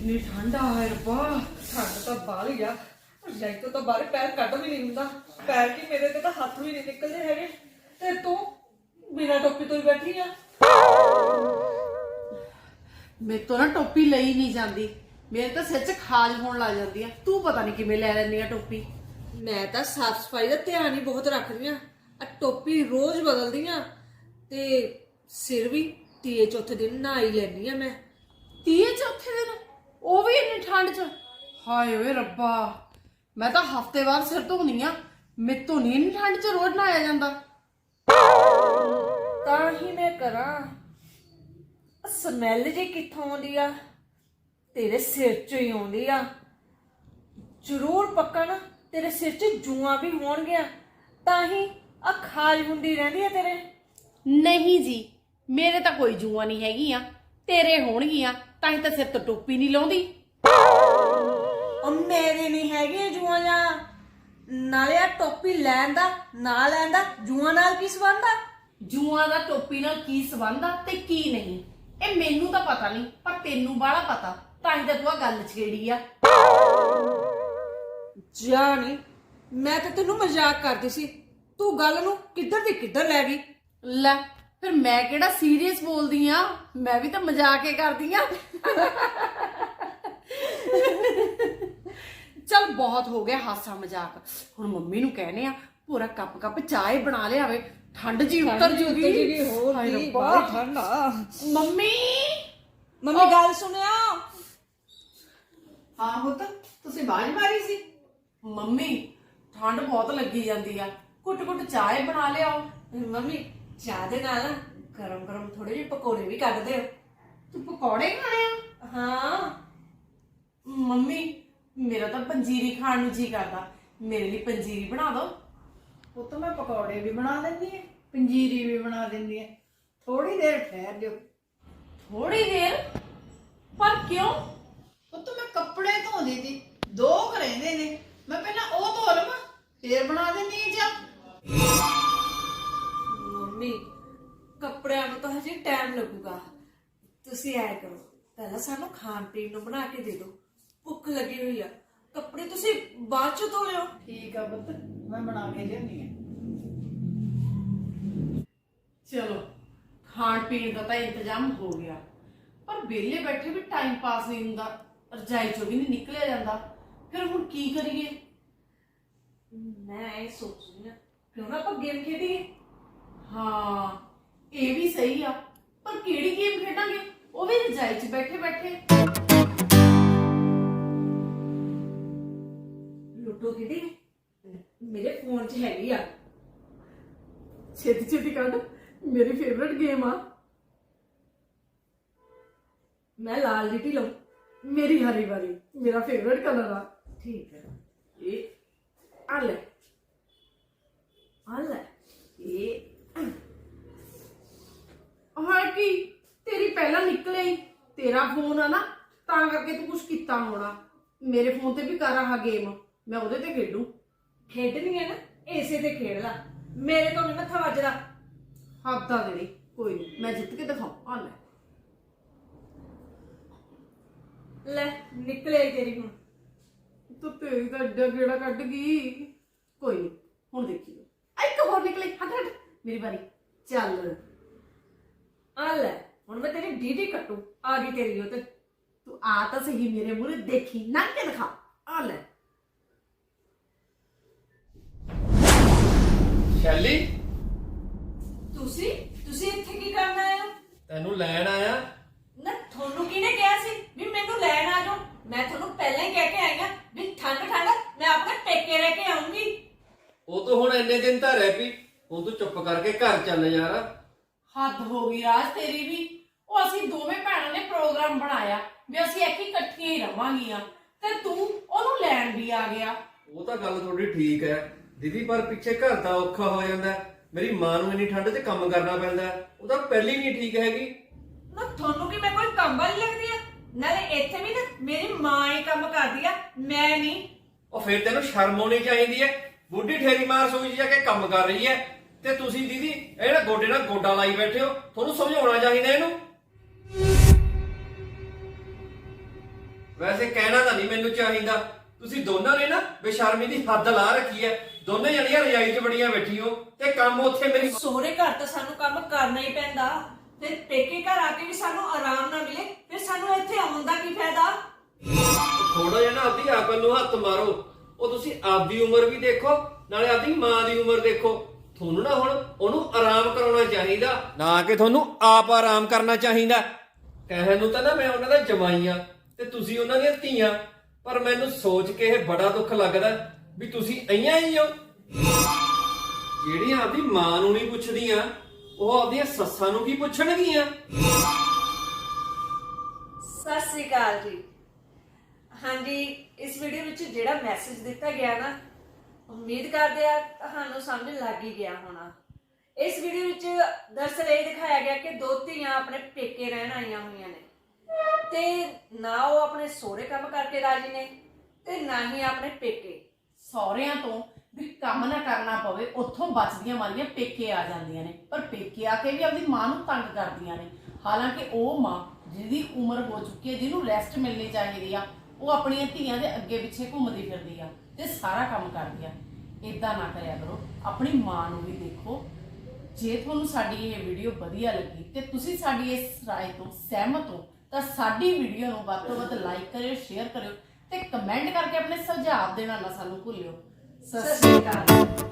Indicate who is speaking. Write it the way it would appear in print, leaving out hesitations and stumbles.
Speaker 1: कितनी ठंड है रब्बा। ठंड तो बाहली आ, रजाई तो बाहर पैर कट भी नहीं हुंदा। पैर की मेरे ते तो हाथ भी नहीं निकलदे हैगे ते तू बिना टोपी तो ही बैठी आ।
Speaker 2: मेरे तो ना टोपी लई नहीं जाती, मेरे तो सिर च खाज होने लग जाती है। तू पता नहीं किवें लै लैंदी है टोपी।
Speaker 1: मैं तो साफ सफाई का ध्यान ही बहुत रखदी आ, टोपी रोज बदलदी आ ते सिर भी तीए चौथे दिन नहा ही लैनी आ मैं।
Speaker 2: तीए चौथे दिन वो भी इन्नी ठंड च? हाय ओए रब्बा, मैं तो हफ्ते बाद सिर धोनी आ, मेरे तो नहीं इन्नी ठंड च रोज नहाया जांदा।
Speaker 1: तां ही मैं करा स्मैल जी कित्थों आउंदी आ? तेरे सिर चों ही आउंदी आ। जरूर पक्का ना तेरे सिर च जुआं भी होणगियां, तां ही आ खाज हुंदी रहिंदी है तेरे।
Speaker 2: नहीं जी, मेरे तो कोई जुआ नहीं हैगियां, तेरे होणगियां तां ही तो सिर तो टोपी नहीं लाउंदी।
Speaker 1: ਉਹ ਮੇਰੇ ਨਹੀਂ ਹੈਗੇ ਜੂਆਂ ਜਾਂ ਨਾਲੇ ਆ ਟੋਪੀ ਲੈਣ ਦਾ ਨਾ ਲੈਣ ਦਾ ਜੂਆਂ ਨਾਲ ਕੀ ਸੰਬੰਧ ਆ?
Speaker 2: ਜੂਆਂ ਦਾ ਟੋਪੀ ਨਾਲ ਕੀ ਸੰਬੰਧ ਆ ਤੇ ਕੀ ਨਹੀਂ, ਇਹ ਮੈਨੂੰ ਤਾਂ ਪਤਾ ਨਹੀਂ, ਪਰ ਤੈਨੂੰ ਬਾਹਲਾ ਪਤਾ, ਤਾਂ ਹੀ ਤਾਂ ਤੂੰ ਆ ਗੱਲ ਛੇੜੀ ਆ।
Speaker 1: ਜਾਣੀ ਮੈਂ ਤਾਂ ਤੈਨੂੰ ਮਜ਼ਾਕ ਕਰਦੀ ਸੀ, ਤੂੰ ਗੱਲ ਨੂੰ ਕਿੱਧਰ ਦੀ ਕਿੱਧਰ ਲੈ ਗਈ।
Speaker 2: ਲੈ ਫਿਰ ਮੈਂ ਕਿਹੜਾ ਸੀਰੀਅਸ ਬੋਲਦੀ ਆ, ਮੈਂ ਵੀ ਤਾਂ ਮਜ਼ਾਕ ਹੀ ਕਰਦੀ ਆ। चल बहुत हो गया हासा मजाक, हुण मम्मी नूं कहने आ पूरा कप कप चाय बना लियावे, ठंड जी उतर जूगी। हाय रब्बा
Speaker 1: ठंड आ।
Speaker 2: मम्मी
Speaker 1: मम्मी गल सुनिया।
Speaker 2: हाँ पुत तुसीं आवाज मारी सी। मम्मी ठंड बहुत लगी जांदी आ, घुट घुट चाय बना लियाओ।
Speaker 1: मम्मी चाह दे नाल गरम गरम थोड़े ਜਿਹੇ पकौड़े भी कट दे।
Speaker 2: तू पकौड़े खाने आ?
Speaker 1: हाँ
Speaker 2: मम्मी मेरा तो पंजीरी खाण नूं जी करदा, मेरे लिए पंजीरी बना दो।
Speaker 3: वो तो मैं पकौड़े भी बना देंदी है, पंजीरी भी बना देंदी है। थोड़ी देर ठहर दो।
Speaker 2: थोड़ी देर? पर क्यों?
Speaker 3: वो तो मैं कपड़े धो दी थी, दो करेंदे ने, मैं पहला वो धो लवां फिर बना देंदी है चाह।
Speaker 1: ਮੰਮੀ ਕੱਪੜਿਆਂ ਨੂੰ ਤਾਂ ਹਜੇ ਟਾਈਮ ਲੱਗੂਗਾ, ਤੁਸੀਂ ਐ ਕਰੋ ਪਹਿਲਾਂ ਸਾਨੂੰ ਖਾਣ ਪੀਣ ਨੂੰ ਬਣਾ ਕੇ ਦੇ ਦਿਓ, ਭੁੱਖ ਲੱਗੀ ਹੋਈ ਆ। ਕੱਪੜੇ ਤੁਸੀਂ ਬਾਅਦ ਚ ਧੋ ਲਿਓ।
Speaker 3: ठीक है पुत्र, मैं बना के देनी है।
Speaker 2: चलो खाण पीण का तो इंतजाम हो गया, पर वेले बैठे भी टाइम पास नहीं हुंदा, रजाई चों भी नहीं निकलिया जांदा, फिर हुण की करिए?
Speaker 1: मैं ਇਹ ਸੋਚ ਰਹੀ ਹਾਂ ਕਿਉਂ ਨਾ ਆਪਾਂ ਗੇਮ ਖੇਡੀਏ।
Speaker 2: हाँ ये भी सही आ, पर केड़ी गेम खेडांगे वो भी रजाई च बैठे बैठे?
Speaker 1: लूडो खेडी मेरे फोन च हैगी आ।
Speaker 2: छेती छेती कड, मेरी फेवरेट गेम आ।
Speaker 1: मैं लाल लीटी लूं।
Speaker 2: मेरी हरी वाली मेरा फेवरेट कलर आ।
Speaker 1: ठीक है
Speaker 2: ये आ ले
Speaker 1: आ ले
Speaker 2: ये हाँ की तेरी पहला निकले ही, तेरा फोन है ना तां करके तू कुछ किता होना। मेरे फोन ते भी कर रहा गेम, मैं ओदे ते खेडू।
Speaker 1: खेडनी है ना ऐसे ते खेड ला, मेरे तो नहीं मत्था वजदा।
Speaker 2: हद आ तेरी, कोई नहीं मैं जित के दिखाऊं। आ ले
Speaker 1: ले निकले तेरी हुण।
Speaker 2: तो तेरी तो एडा गेड़ा कट गई। कोई नहीं हुण देखियो, एक होर निकले। हट हट मेरी बारी, चल
Speaker 1: आ ले हुण मैं तेरी डीडी कटू। आ गई तेरी हो ते
Speaker 2: तू आ तो सही मेरे मुंह देखी नंग के दिखा। आ ले
Speaker 4: ਸ਼ੈਲੀ
Speaker 1: ਤੁਸੀਂ ਇੱਥੇ ਕੀ ਕਰਨ ਆਏ ਹੋ?
Speaker 4: ਤੈਨੂੰ ਲੈਣ ਆਇਆ।
Speaker 1: ਨਾ ਤੁਹਾਨੂੰ ਕਿਹਨੇ ਕਿਹਾ ਸੀ ਵੀ ਮੈਨੂੰ ਲੈਣ ਆ ਜਾਓ? ਮੈਂ ਤੁਹਾਨੂੰ ਪਹਿਲਾਂ ਹੀ ਕਹਿ ਕੇ ਆਈ ਆ ਵੀ ਠੰਡ ਮੈਂ ਆਪਣੇ ਪੇਕੇ ਰਹਿ ਕੇ ਆਉਂਗੀ।
Speaker 4: ਉਹ ਤਾਂ ਹੁਣ ਇੰਨੇ ਦਿਨ ਤਾਂ ਰਹਿ ਪਈ, ਹੁਣ ਤੂੰ ਚੁੱਪ ਕਰਕੇ ਘਰ ਚੱਲ ਯਾਰ।
Speaker 2: हद हो गई राज तेरी भी। ਉਹ ਅਸੀਂ ਦੋਵੇਂ ਭੈਣਾਂ ਨੇ ਪ੍ਰੋਗਰਾਮ ਬਣਾਇਆ ਵੀ ਅਸੀਂ ਇੱਥੇ ਇਕੱਠੀਆਂ ਹੀ ਰਵਾਂਗੀਆਂ, ਤੇ ਤੂੰ ਉਹਨੂੰ ਲੈਣ ਵੀ ਆ ਗਿਆ।
Speaker 4: ਉਹ ਤਾਂ ਗੱਲ ਤੁਹਾਡੀ ਠੀਕ ਹੈ ਦੀਦੀ, ਪਰ ਪਿੱਛੇ ਘਰ ਦਾ ਔਖਾ ਹੋ ਜਾਂਦਾ। ਮੇਰੀ ਮਾਂ ਨੂੰ ਇੰਨੀ ਠੰਡ 'ਚ ਕੰਮ ਕਰਨਾ ਪੈਂਦਾ, ਉਹ ਤਾਂ ਪਹਿਲੀ ਨਹੀਂ ਠੀਕ ਹੈਗੀ।
Speaker 1: ਨਾ ਤੁਹਾਨੂੰ ਕੀ ਮੈਂ ਕੋਈ ਕੰਮ ਵਾਲੀ ਲੱਗਦੀ ਆ? ਨਾਲੇ ਇੱਥੇ ਵੀ ਨਾ ਮੇਰੀ ਮਾਂ ਹੀ ਕੰਮ ਕਰਦੀ ਆ, ਮੈਂ ਨਹੀਂ।
Speaker 4: ਉਹ ਫਿਰ ਤੈਨੂੰ ਸ਼ਰਮ ਆਉਣੀ ਚਾਹੀਦੀ ਹੈ, ਬੁੱਢੀ ਠੇਰੀ ਮਾਂ ਰਸੋਈ 'ਚ ਜਾ ਕੇ ਕੰਮ ਕਰ ਰਹੀ ਹੈ, ਤੇ ਤੁਸੀਂ ਦੀਦੀ ਇਹ ਨਾ ਗੋਡੇ ਨਾਲ ਗੋਡਾ ਲਾਈ ਬੈਠੇ ਹੋ। ਤੁਹਾਨੂੰ ਸਮਝਾਉਣਾ ਚਾਹੀਦਾ ਇਹਨੂੰ। ਵੈਸੇ ਕਹਿਣਾ ਤਾਂ ਨਹੀਂ ਮੈਨੂੰ ਚਾਹੀਦਾ, ਤੁਸੀਂ ਦੋਨਾਂ ਨੇ ਨਾ ਬੇਸ਼ਰਮੀ ਦੀ ਹੱਦ ਲਾ ਰੱਖੀ ਹੈ। ਦੋਨੇ ਜਣੀਆਂ ਰਜਾਈ 'ਚ ਬੜੀਆਂ ਬੈਠੀ ਹੋ ਤੇ ਕੰਮ ਉੱਥੇ ਮੇਰੀ
Speaker 1: ਸਹੁਰੇ ਘਰ ਤਾਂ ਸਾਨੂੰ ਕੰਮ ਕਰਨਾ ਹੀ ਪੈਂਦਾ, ਫਿਰ ਪੇਕੇ ਘਰ ਆ ਕੇ ਵੀ ਸਾਨੂੰ ਆਰਾਮ ਨਾ ਮਿਲੇ, ਫਿਰ ਸਾਨੂੰ ਇੱਥੇ ਆਉਣ ਦਾ ਕੀ ਫਾਇਦਾ?
Speaker 4: ਥੋੜਾ ਜਿਹਾ ਨਾ ਆਪਦੀ ਅਕਲ ਨੂੰ ਹੱਥ ਮਾਰੋ। ਉਹ ਤੁਸੀਂ ਆਪਦੀ ਉਮਰ ਵੀ ਦੇਖੋ, ਨਾਲੇ ਆਪਦੀ ਮਾਂ ਦੀ ਉਮਰ ਦੇਖੋ। ਤੁਹਾਨੂੰ ਨਾ ਹੁਣ ਉਹਨੂੰ ਆਰਾਮ ਕਰਾਉਣਾ ਚਾਹੀਦਾ, ਨਾ ਕਿ ਤੁਹਾਨੂੰ ਆਪ ਆਰਾਮ ਕਰਨਾ ਚਾਹੀਦਾ। ਕਹਿਣ ਨੂੰ ਤਾਂ ਨਾ ਮੈਂ ਉਹਨਾਂ ਦਾ ਜਮਾਈ ਆ ਤੇ ਤੁਸੀਂ ਉਹਨਾਂ ਦੀਆਂ ਧੀਆਂ, ਪਰ ਮੈਨੂੰ ਸੋਚ ਕੇ ਇਹ ਬੜਾ ਦੁੱਖ ਲੱਗਦਾ ਵੀ ਤੁਸੀਂ ਅਈਆਂ ਹੀ ਹੋ ਜਿਹੜੀਆਂ ਆਪਦੀ ਮਾਂ ਨੂੰ ਨਹੀਂ ਪੁੱਛਦੀਆਂ, ਉਹ ਆਪਦੀਆਂ ਸੱਸਾਂ ਨੂੰ ਕੀ ਪੁੱਛਣਗੀਆਂ।
Speaker 1: ਸਤਿ ਸ੍ਰੀ ਅਕਾਲ ਜੀ। ਹਾਂਜੀ, ਇਸ ਵੀਡੀਓ ਵਿੱਚ ਜਿਹੜਾ ਮੈਸੇਜ ਦਿੱਤਾ ਗਿਆ ਨਾ, ਉਮੀਦ ਕਰਦੇ ਆ ਤੁਹਾਨੂੰ ਸਮਝ ਲੱਗ ਹੀ ਗਿਆ ਹੋਣਾ। ਇਸ ਵੀਡੀਓ ਵਿੱਚ ਦਰਅਸਲ ਇਹ ਦਿਖਾਇਆ ਗਿਆ ਕਿ ਦੋ ਧੀਆਂ ਆਪਣੇ ਪੇਕੇ ਰਹਿਣ ਆਈਆਂ ਹੋਈਆਂ ਨੇ ਤੇ ਨਾ ਉਹ ਆਪਣੇ ਸਹੁਰੇ ਕੰਮ ਕਰਕੇ ਰਾਜੀ ਨੇ ਤੇ ਨਾ ਹੀ ਆਪਣੇ ਪੇਕੇ।
Speaker 2: ਸਹੁਰਿਆਂ ਤੋਂ ਵੀ ਕੰਮ ਨਾ ਕਰਨਾ ਪਵੇ, ਉੱਥੋਂ ਬਚਦੀਆਂ ਮਾਰੀਆਂ ਪੇਕੇ ਆ ਜਾਂਦੀਆਂ ਨੇ, ਪਰ ਪੇਕੇ ਆ ਕੇ ਵੀ ਆਪਣੀ ਮਾਂ ਨੂੰ ਤੰਗ ਕਰਦੀਆਂ ਨੇ। ਹਾਲਾਂਕਿ ਉਹ ਮਾਂ ਜਿਹਦੀ ਉਮਰ ਹੋ ਚੁੱਕੀ ਹੈ, ਜਿਹਨੂੰ ਰੈਸਟ ਮਿਲਣੀ ਚਾਹੀਦੀ ਆ, ਉਹ ਆਪਣੀਆਂ ਧੀਆਂ ਦੇ ਅੱਗੇ ਪਿੱਛੇ ਘੁੰਮਦੀ ਫਿਰਦੀ ਆ ਤੇ ਸਾਰਾ ਕੰਮ ਕਰਦੀ ਆ। ਇਦਾਂ ਨਾ ਕਰਿਆ ਕਰੋ, ਆਪਣੀ ਮਾਂ ਨੂੰ ਵੀ ਦੇਖੋ। ਜੇ ਤੁਹਾਨੂੰ ਸਾਡੀ ਇਹ ਵੀਡੀਓ ਵਧੀਆ ਲੱਗੀ ਤੇ ਤੁਸੀਂ ਸਾਡੀ ਇਸ ਰਾਏ ਤੋਂ ਸਹਿਮਤ ਹੋ ਤਾਂ ਸਾਡੀ ਵੀਡੀਓ ਨੂੰ ਵੱਧ ਤੋਂ ਵੱਧ ਲਾਈਕ ਕਰਿਓ, ਸ਼ੇਅਰ ਕਰਿਓ ਤੇ ਕਮੈਂਟ ਕਰਕੇ ਆਪਣੇ ਸੁਝਾਅ ਦੇਣਾ ਨਾ ਸਾਨੂੰ ਭੁੱਲਿਓ।
Speaker 1: ਸਤਿ ਸ੍ਰੀ ਅਕਾਲ।